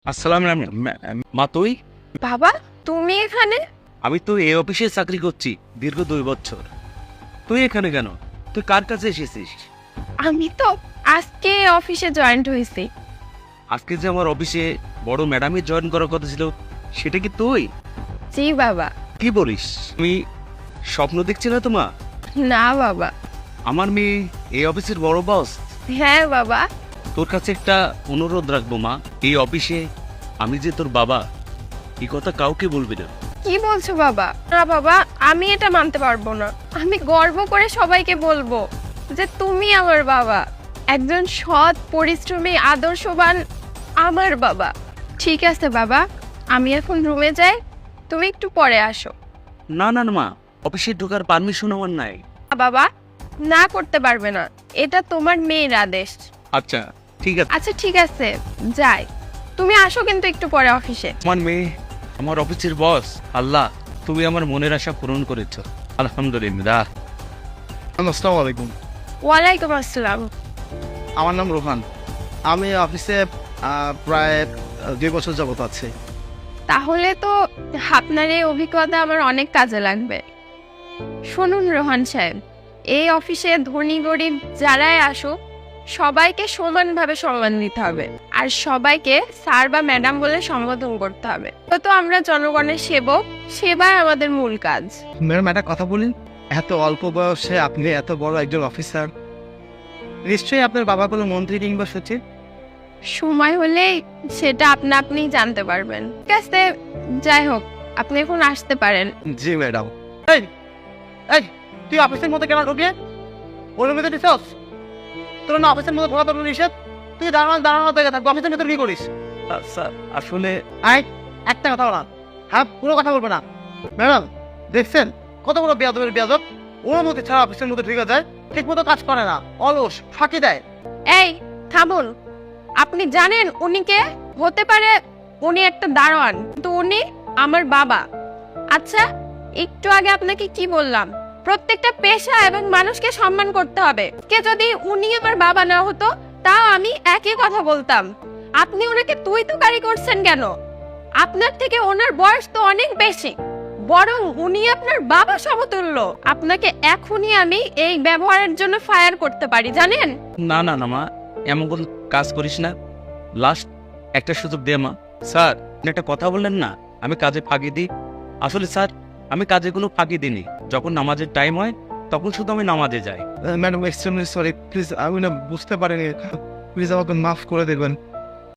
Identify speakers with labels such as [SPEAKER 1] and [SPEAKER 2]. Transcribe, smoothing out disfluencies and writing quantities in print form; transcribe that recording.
[SPEAKER 1] আসসালাম মা, তুই?
[SPEAKER 2] বাবা, তুমি এখানে?
[SPEAKER 1] আমি তো এই অফিসে চাকরি করছি দীর্ঘ 2 বছর। তুই এখানে কেন? তুই কার কাছে এসেছিস?
[SPEAKER 2] আমি তো আজকে অফিসে জয়েন্ট হয়েছি।
[SPEAKER 1] আজকে যে আমার অফিসে বড় ম্যাডামই জয়েন করার কথা ছিল, সেটা কি তুই?
[SPEAKER 2] জি বাবা।
[SPEAKER 1] কি বলিস? আমি স্বপ্ন দেখছি না তো মা?
[SPEAKER 2] না বাবা।
[SPEAKER 1] আমার মেয়ে এই অফিসের বড় বস।
[SPEAKER 2] হ্যাঁ বাবা।
[SPEAKER 1] তোর কাছে একটা অনুরোধ রাখবো মা, এই অফিসে আমি যে তোর বাবা, এই কথা কাউকে বলবি না।
[SPEAKER 2] কি বলছো বাবা? না বাবা, আমি এটা মানতে পারবো না। আমি গর্ব করে সবাইকে বলবো যে তুমি আমার বাবা, একজন সৎ, পরিশ্রমী, আদর্শবান আমার বাবা। ঠিক আছে বাবা, আমি এখন রুমে যাই, তুমি একটু পরে আসো।
[SPEAKER 1] না না না মা, অফিসে ঢোকার পারমিশন আমার নাই।
[SPEAKER 2] বাবা, না করতে পারবে না, এটা তোমার মেয়ের আদেশ।
[SPEAKER 1] আচ্ছা ঠিক আছে।
[SPEAKER 2] আচ্ছা ঠিক আছে, যাই। তুমি আসো কিন্তু একটু পরে অফিসে।
[SPEAKER 1] আমার মেয়ে আমার অফিসের বস। আল্লাহ, তুমি আমার মনের আশা পূরণ করেছ, আলহামদুলিল্লাহ।
[SPEAKER 3] আসসালামু আলাইকুম।
[SPEAKER 2] ওয়ালাইকুম আসসালাম।
[SPEAKER 3] আমার নাম রোহান। আমি অফিসে প্রায় 2 বছর যাবত আছি।
[SPEAKER 2] তাহলে তো আপনার এই অভিজ্ঞতা আমার অনেক কাজে লাগবে। শুনুন রোহান সাহেব, এই অফিসে ধনী গরিব যারাই আসুক, সবাইকে সমানভাবে সম্মান দিতে হবে, আর সবাইকে স্যার বা ম্যাডাম বলে সম্বোধন করতে হবে। তো আমরা জনগণের সেবক, সেবাই আমাদের মূল কাজ।
[SPEAKER 3] ম্যাডাম একটা কথা বলুন, এত অল্প বয়সে আপনি এত বড় একজন অফিসার, নিশ্চয়ই আপনার বাবা কোনো মন্ত্রী কিংবা সচিব?
[SPEAKER 2] সময় হলেই সেটা আপনিই জানতে পারবেন। ঠিক আছে, যাই হোক, আপনি এখন আসতে পারেন।
[SPEAKER 3] জি ম্যাডাম। এই এই তুই অফিসের মধ্যে কেন ঢুকে ওর মধ্যে দিছস? তোর না অফিসের মধ্যে ঢোকা তোর নিষেধ। তুই দাঁড়ানো থেকে থাকবো, অফিসের ভিতরে কি করিস?
[SPEAKER 1] স্যার আসলে
[SPEAKER 3] আয়, একটা কথা বলা, হ্যাঁ পুরো কথা বলবে না। ম্যাডাম দেখছেন কত বড় বেয়াদবের বেয়াদব, ওর মধ্যে ছাড়া অফিসের মধ্যে ঢুকে যায়, ঠিক মতো কাজ করে না, অলস, ফাঁকি দেয়।
[SPEAKER 2] এই থামুন, আপনি জানেন উনি কে? হতে পারে উনি একটা দারোয়ান, কিন্তু উনি আমার বাবা। আচ্ছা, একটু আগে আপনাকে কি বললাম? প্রত্যেকটা পেশা এবং মানুষকে সম্মান করতে হবে। কে যদি উনি আমার বাবা না হতো, তাও আমি একই কথা বলতাম। আপনি ওনাকে তুই তুকারি করছেন কেন? আপনার থেকে ওনার বয়স তো অনেক বেশি, বরং উনি আপনার বাবা সমতুল্য। আপনাকে এখনই আমি এই ব্যবহারের জন্য ফায়ার করতে পারি, জানেন?
[SPEAKER 1] না না না মা, এমন কোন কাজ করিস না। লাস্ট একটা সুযোগ দে মা। স্যার, আপনি একটা কথা বললেন না আমি কাজে ফাঁকি দিই। আসলে স্যার, আমি কাজে কোনো ফাঁকি দিইনি। যখন নামাজের টাইম হয় তখন শুধু আমি নামাজে যাই।
[SPEAKER 3] ম্যাডাম এক্সট্রিমলি সরি, প্লিজ আমি না বুঝতে পারিনি, প্লিজ আমাকে মাফ করে দেবেন।